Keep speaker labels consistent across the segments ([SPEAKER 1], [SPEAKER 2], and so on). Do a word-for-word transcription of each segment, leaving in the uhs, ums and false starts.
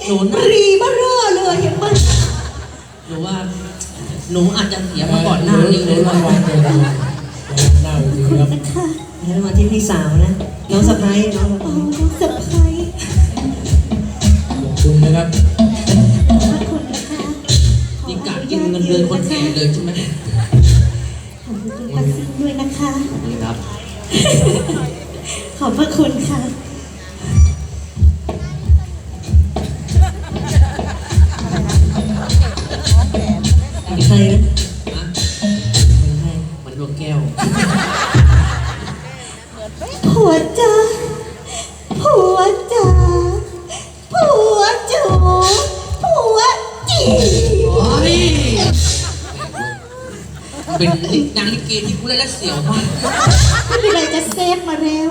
[SPEAKER 1] หนู
[SPEAKER 2] รีบ้าเร่อเลยเห็นไหม
[SPEAKER 1] หนูว่าหนูอาจจะเสียมาก่อนหน้านี้เลย
[SPEAKER 3] ระวังเลยนะหน้าดีครับ
[SPEAKER 2] นะคะ
[SPEAKER 4] แล้วมาที่พี่สาวนะน้องสะพ้ายน้องสะ
[SPEAKER 2] อ๋อ
[SPEAKER 4] พ้าย
[SPEAKER 2] น้องสะพ้าย
[SPEAKER 3] ขอบคุณนะครับ
[SPEAKER 2] ขอบพระคุณนะคะ
[SPEAKER 1] นี่กะกินเงินเดือนคนแก่เลยใช่ไหม
[SPEAKER 2] ขอบคุณป้าซิงด้วยนะคะ
[SPEAKER 1] นี่ครับ
[SPEAKER 2] ขอบพระคุณค่ะ
[SPEAKER 4] เป็นใครนะ
[SPEAKER 1] นะ
[SPEAKER 4] เป็นใคร
[SPEAKER 1] มันดวงแก้ว
[SPEAKER 2] ผัวจ้าผัวจ้าผัวจูผัวจี
[SPEAKER 1] โอ้ยเป็นนางลิเกที่กูเล่นแล้วเสียวมาก
[SPEAKER 2] ไม่เป็นไรจะเซฟมาแล้ว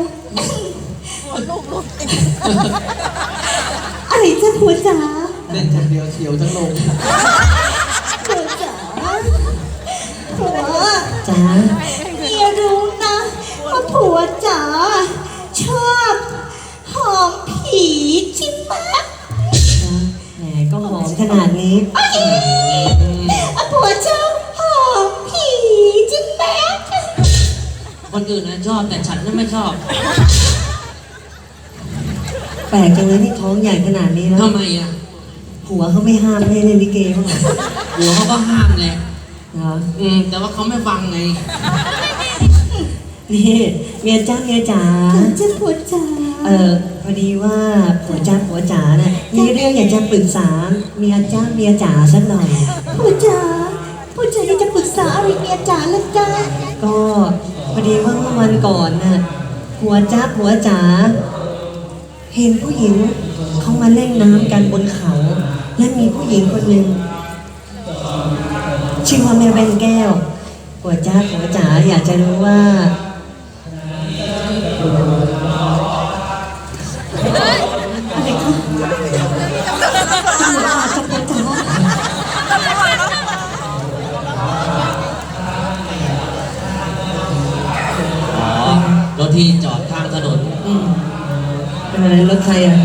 [SPEAKER 2] อะไรจ้าผัวจ๋า
[SPEAKER 1] เล่นคนเดียวเสียวทั้งโลก
[SPEAKER 2] ผัวจ๋าผัว
[SPEAKER 4] จ๋า
[SPEAKER 2] เมียรู้นะว่าผัวจ๋าชอบหอมผีใช่ไหม
[SPEAKER 4] จ๋าแหมก็หอมขนาดนี้
[SPEAKER 2] อ่ะผัวชอบหอมผีใช่ไหม
[SPEAKER 1] คนอื่นนะชอบแต่ฉันน่ะไม่ชอบ
[SPEAKER 4] แปลกจังเลยที่ท้องใหญ่ขนาดนี้แล้ว
[SPEAKER 1] ทำไมอ่ะ
[SPEAKER 4] ผัวเขาไม่ห้ามให้เล่นลิเกบ้างเหรอ
[SPEAKER 1] หัวเขาก็ห้ามแหละ
[SPEAKER 4] เหรอ
[SPEAKER 1] อืมแต่ว่าเขาไม่ฟังไง
[SPEAKER 4] นี่เมียจ้าเมียจ๋า
[SPEAKER 2] จะผัวจ๋า
[SPEAKER 4] เออพอดีว่าผัวจ้าผัวจ๋าน่ะมีเรื่องอยากจะปรึกษาเมียจ้าเมียจ๋าสักหน่อย
[SPEAKER 2] ผัวจ๋าผัวจ๋าอยากจะปรึกษาอะไรเมียจ๋าละจ้า
[SPEAKER 4] ก็พอดีว่าเมื่อวันก่อนน่ะผัวจ้าผัวจ๋าเห็นผู้หญิงเขามาเล่นน้ำกันบนเขา และมีผู้หญิงคนหนึ่งชื่อว่าแม่แว่นแก้วผัวจ้าผัวจ๋าอยากจะรู้ว่า
[SPEAKER 2] อะไรคะจะผัวจ๋า
[SPEAKER 1] อ๋อ รถที่จอดข้างถนน
[SPEAKER 4] อืมเป็นอะไรรถใครอ่ะ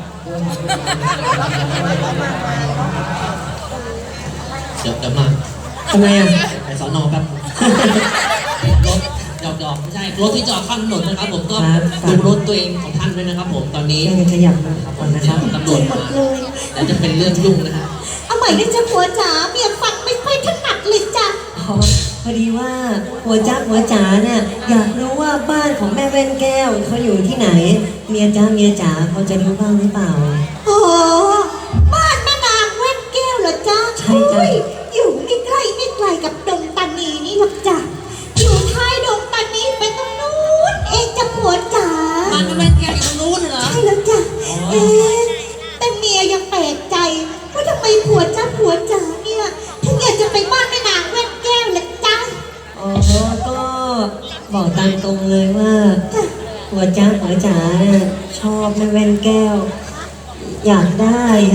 [SPEAKER 1] เดี๋ยวเดี๋ยวมา
[SPEAKER 4] ทำไมอ่ะ
[SPEAKER 1] ไปสอนอครับ รถหยอกหยอกไม่ใช่ รถที่จอดข้างถนนนะครับ ผมก็ดูรถตัวเองของท่านด้วยนะครับ ผมตอนนี้
[SPEAKER 4] แค่ขยับมาก่อนนะครับ
[SPEAKER 1] ตำรวจ
[SPEAKER 2] หม
[SPEAKER 1] มา
[SPEAKER 2] ดเลย
[SPEAKER 1] แล้วจะเป็นเรื่องยุ่งนะฮะ
[SPEAKER 2] เอาใหม่ได้จ้าผัวจ๋าเมียฟังไม่ค่อยถนัดเลยจ้ะ
[SPEAKER 4] อ๋อพอดีว่าผัวจ้าผัวจ๋าเนี่ยอยากรู้ว่าบ้านของแม่แว่นแก้วเขาอยู่ที่ไหน เมียจ้าเมียจ๋าเขาจะรู้บ้างหรือเปล่า
[SPEAKER 2] อ๋อบ้านแม่นางแว่นแก้วเหรอจ้า
[SPEAKER 4] ใช่จ้ะ
[SPEAKER 2] โอ้ยอยู่ไม่ใกล้ไม่ไกลกับดงตานีนี่หรอกจ้ะอยู่ท้ายดงตานีไปตรงนู้นเองจ้ะผัวจ๋า
[SPEAKER 1] บ้านแม่แก้วอยู่ตรงนู้นเหรอ
[SPEAKER 2] ใช่แล้วจ้ะเอ๊ะแต่เมียยังแปลกใจว่าทำไมผัวจ้าผัวจ๋าเนี่ยถึงอยากจะไปบ้านแม่นางแว่นแก้วล่ะจ้ะ
[SPEAKER 4] อ๋อก็บอกตามตรงเลยว่าผัวจ้าผัวจ๋าเนี่ยชอบแม่แว่นแก้ว อยากได้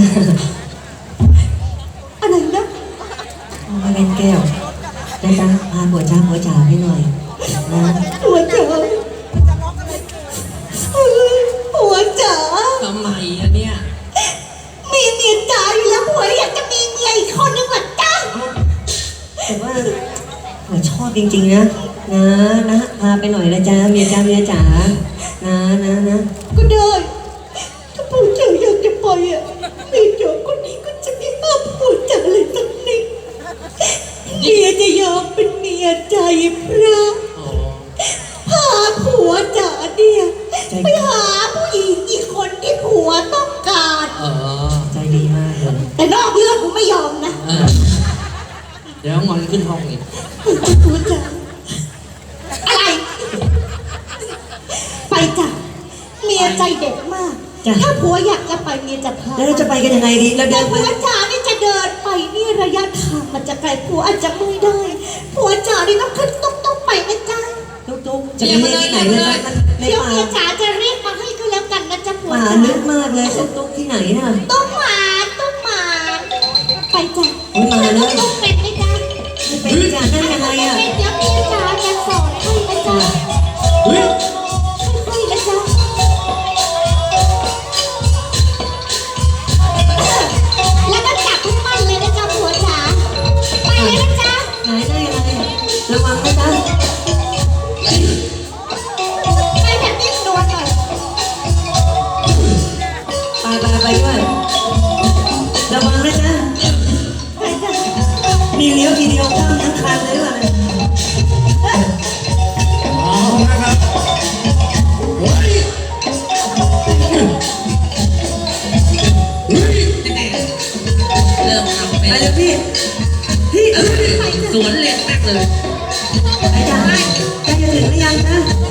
[SPEAKER 2] อะไรนะ
[SPEAKER 4] แม่แว่นแก้วนะจ๊ะพาผัวจ้าผัวจ๋าไปหน่อยนะ
[SPEAKER 2] ผัวจ๋าเฮ้ยผัวจ๋า
[SPEAKER 1] ทำไมอะเนี่ย
[SPEAKER 2] มีเมียจ๋าอยู่แล้วผัวอยากจะมีเมียอีกคนนึงเหรอจ้า
[SPEAKER 4] แต่ว่าผัวชอบจริงๆนะนะนะพาไปหน่อยนะจ๊ะเมียจ้าเมียจ๋านะนะนะ
[SPEAKER 2] ก็ได้ถ้าผัวจ๋าอยากจะไปอ่ะเมียจ๋าคนนี้ก็จะไม่ห้ามผัวจ๋าเลยสักนิดเมียจะยอมเป็นเมียใจพระ
[SPEAKER 1] อ๋อ
[SPEAKER 2] พาผัวจ๋าเนี่ยไปหาผู้หญิงอีกคนที่ผัวต้องการ
[SPEAKER 1] เออ
[SPEAKER 4] ใจดีมากเลย
[SPEAKER 2] แต่นอกเรื่องกูไม่ยอมนะ
[SPEAKER 1] เออ เดี๋ยวงอนขึ้นห้องอีก
[SPEAKER 2] ผัวจ๋าอะไร ไปจ้ะเมียใจเด็ดมาก
[SPEAKER 4] จ้ะ
[SPEAKER 2] ถ้าผัวอยากจะไปเมียจะพา
[SPEAKER 4] แล้วเราจะไปกันยังไงดีเรา
[SPEAKER 2] แต่
[SPEAKER 4] เดินไป
[SPEAKER 2] ผัวจ๋านี่จะเดินไปนี่ระยะทางมันจะไกลผัวอาจจะไม่ได้ผัวจ๋านี่ต้องขึ้นตุ๊กตุ๊กไปนะจ๊ะ
[SPEAKER 4] ตุ๊กๆจะไปเรียกที่ไหนนะจ๊ะมันใน
[SPEAKER 2] เดี๋ยว
[SPEAKER 4] ป่า
[SPEAKER 2] เมียจ๋าจะเรียกมาให้ก็แล้วกันนะจ๊ะผัว
[SPEAKER 4] ป่า
[SPEAKER 2] จ๋า
[SPEAKER 4] ลึกมากเลยตุ๊กๆที่ไหนน่ะ
[SPEAKER 2] ตุ๊กหมาตุ๊กหมาไปจ้ะ
[SPEAKER 4] โอ้ยมาเลย
[SPEAKER 2] ตุ๊กเป็นไหมจ๊ะ
[SPEAKER 4] ไม่เป็นจ้ะนั่นยังไงอ่ะ
[SPEAKER 2] เป็นเดี๋ยวเมียจ๋าจะสอนให้นะจ๊ะ
[SPEAKER 1] เฮ้ย
[SPEAKER 2] ค่อยๆนะจ๊ะ
[SPEAKER 4] ทีเดียวข้ามทั้งคันเลยว่ะ
[SPEAKER 3] เอานะครับเฮ้ยเฮ้ย
[SPEAKER 1] เริ่มทำเป็
[SPEAKER 4] ไป
[SPEAKER 1] น
[SPEAKER 4] เลยพี่พี่
[SPEAKER 1] สวนเล็กแม็กเลย
[SPEAKER 4] ไปจ้ะใกล้จะถึงหรือยังนะ